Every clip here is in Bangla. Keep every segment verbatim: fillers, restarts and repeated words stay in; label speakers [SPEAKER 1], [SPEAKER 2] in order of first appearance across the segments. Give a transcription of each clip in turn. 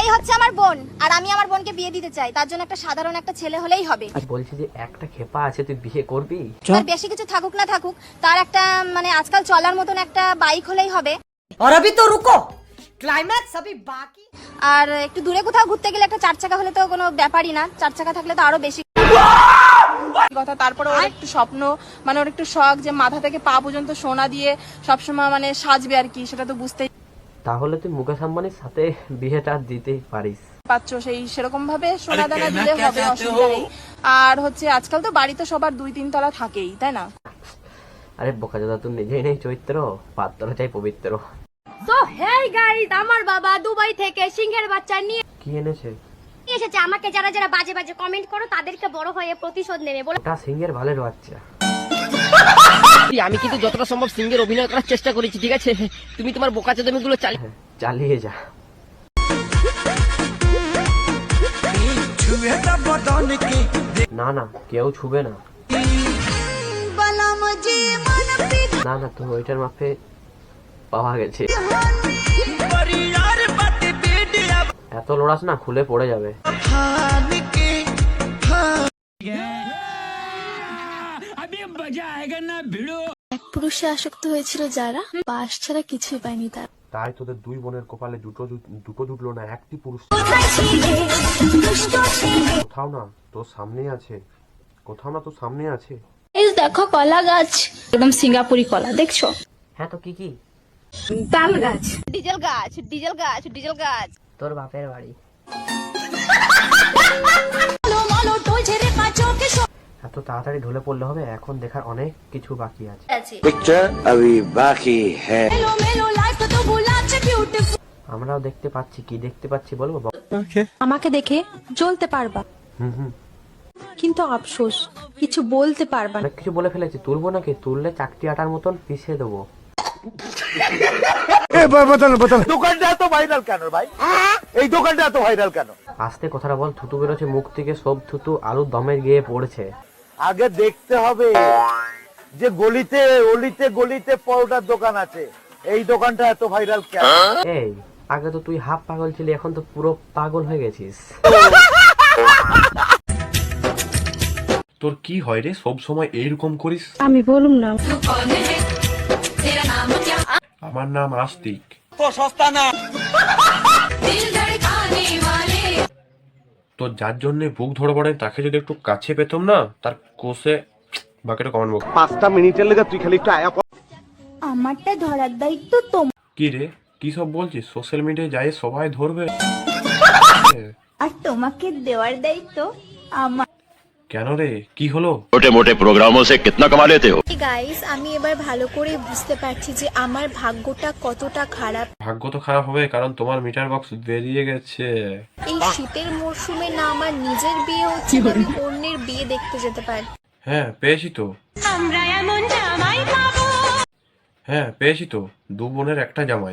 [SPEAKER 1] হচ্ছে আমার বোন, আর আমি আমার বোনকে বিয়ে দিতে চাই। তার জন্য একটা সাধারণ একটা ছেলে হলেই হবে।
[SPEAKER 2] আর বলছি যে একটা খেপা আছে, তুই বিয়ে করবি?
[SPEAKER 1] আর বেশি কিছু থাকুক না থাকুক, তার একটা মানে আজকাল চলার মতন একটা বাইক হলেই হবে।
[SPEAKER 3] और अभी तो रुको, क्लाइमैक्स अभी बाकी।
[SPEAKER 1] আর একটু দূরে কোথাও ঘুরতে গেলে একটা চার চাকা হলে তো কোনো ব্যাপারই না, চার চাকা থাকলে তো আরো বেশি
[SPEAKER 4] কথা। তারপরে ওর একটু স্বপ্ন, মানে ওর একটু শখ যে মাথা থেকে পা পর্যন্ত সোনা দিয়ে সবসময় মানে সাজবে আর কি, সেটা তো বুঝতেই
[SPEAKER 2] তাহলে তুই মুকেশ আম্বানির সাথে বিয়েটা দিতেই পারিস।
[SPEAKER 4] পাচ্ছ। সেই সেরকম ভাবে সোনা দানা দিলে হবে, অসুবিধা নেই। আর হচ্ছে আজকাল তো বাড়িতে সবার দুই তিন তলা থাকেই, তাই না?
[SPEAKER 2] আরে বোকাচোদা, তুই নিজেই নেই চরিত্র, পাত্র চাই পবিত্র।
[SPEAKER 1] তো হেই গাইস, আমার বাবা দুবাই থেকে সিংহের বাচ্চা নিয়ে
[SPEAKER 2] কি এনেছে?
[SPEAKER 1] এসেছে। আমাকে যারা যারা বাজে বাজে কমেন্ট করো তাদেরকে বড় হয়ে প্রতিশোধ নেবে বলে।
[SPEAKER 2] ওটা সিংহের ভালের বাচ্চা।
[SPEAKER 5] আমি কিন্তু যতটা সম্ভব সিংহের অভিনয় করার চেষ্টা করেছি, ঠিক আছে? তুমি তোমার বোকাচোদামি গুলো চালিয়ে
[SPEAKER 2] হ্যাঁ, চালিয়ে যা। না না, কেউ ছুবে না। না না, তো ওইটার মাপে পাওয়া গেছে। এত লড়াস না, খুলে পড়ে যাবে।
[SPEAKER 6] এক পুরুষে আসক্ত হয়েছিল যারা, পাশ ছাড়া কিছুই পায়নি তারা।
[SPEAKER 7] তাই তোদের দুই বোনের কপালে দুটো দুটো জুটলো না, একটি পুরুষ। কোথাও না তোর সামনে আছে, কোথাও না তোর সামনে আছে।
[SPEAKER 6] এই দেখো কলা গাছ, একদম সিঙ্গাপুরি কলা, দেখছো?
[SPEAKER 2] হ্যাঁ, তো কি কি?
[SPEAKER 6] তাল গাছ,
[SPEAKER 1] ডিজেল গাছ, ডিজেল গাছ, ডিজেল গাছ।
[SPEAKER 2] তোর বাপের বাড়ি। এত তাড়াতাড়ি ঢলে পড়লে হবে? এখন দেখার অনেক কিছু বাকি আছে।
[SPEAKER 8] पिक्चर अभी बाकी है।
[SPEAKER 2] আমরাও দেখতে পাচ্ছি। কি দেখতে পাচ্ছি বলবো?
[SPEAKER 9] আমাকে দেখে জ্বলতে পারবা,
[SPEAKER 2] হুম হুম,
[SPEAKER 9] কিন্তু আফসোস কিছু বলতে পারবা না।
[SPEAKER 2] অনেক কিছু বলে ফেলেছি। তুলবো নাকি? তুললে চাকরি আটার মতন পিছিয়ে দেবো।
[SPEAKER 8] দোকানটা এত ভাইরাল কেন ভাই? এই দোকানটা এত ভাইরাল কেন?
[SPEAKER 2] আস্তে কথাটা বল। থুতু বেরোচ্ছে মুখ থেকে, সব থুতু আলুর দমে গিয়ে পড়ছে।
[SPEAKER 8] আগে দেখতে হবে যে গলিতে অলিতে গলিতে পরোটার দোকান আছে, এই দোকানটা এত ভাইরাল কেন?
[SPEAKER 2] এই, আগে তো তুই হাফ পাগল ছিলি, এখন তো পুরো পাগল হয়ে গেছিস।
[SPEAKER 7] তোর কি হয় রে, সব সময় এইরকম করিস?
[SPEAKER 9] আমি বলুম না।
[SPEAKER 7] আমার নাম আস্তিক।
[SPEAKER 8] তো সস্তা না।
[SPEAKER 7] তোর যার জন্য বুক ধরে পড়ে, তাকে যদি একটু কাছে পেতাম না, তার কোষে বাকিটা কমেন্ট বক্স।
[SPEAKER 8] পাঁচটা মিনিটের লেগে তুই খালি একটু আয়া।
[SPEAKER 1] আমারটা ধরার দায়িত্ব তোমার,
[SPEAKER 7] কি রে, কি সব বলছিস? সোশ্যাল মিডিয়ায় যাই সবাই ধরবে,
[SPEAKER 1] আর তোমাকে দেওয়ার দায়িত্ব আমার।
[SPEAKER 7] কেন রে, কি হলো?
[SPEAKER 10] छोटे मोटे प्रोग्रामों से कितना कमा लेते हो?
[SPEAKER 6] গাইস, আমি এবার ভালো করে বুঝতে পারছি যে আমার ভাগ্যটা কতটা খারাপ।
[SPEAKER 7] ভাগ্য তো খারাপ হবে, কারণ তোমার মিটার বক্স বেরিয়ে গেছে।
[SPEAKER 6] এই শীতের মরশুমে না আমার নিজের বিয়ে হচ্ছে, না আমি অন্যের বিয়ে দেখতে যেতে পারি।
[SPEAKER 7] হ্যাঁ পেয়েছি তো, হ্যাঁ পেয়েছি তো, দু বোনের একটা জামাই।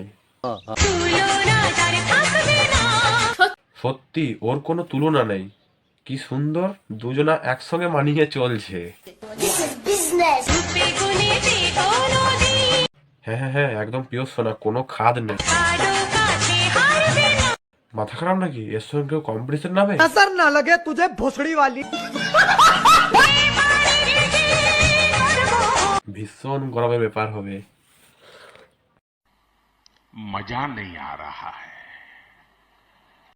[SPEAKER 7] সত্যি, ওর কোনো তুলনা নেই। কি সুন্দর দুজনা একসঙ্গে মানিয়ে চলছে। হ্যাঁ হ্যাঁ হ্যাঁ, একদম পিওর সোনা, কোনো খাদ নেই। মাথা খারাপ নাকি? এর সঙ্গে কেউ কম্পিটিশন নামে?
[SPEAKER 3] नजर ना लगे तुझे भोसड़ी वाली।
[SPEAKER 7] ভীষণ গরমের ব্যাপার হবে।
[SPEAKER 10] मजा नहीं आ रहा है।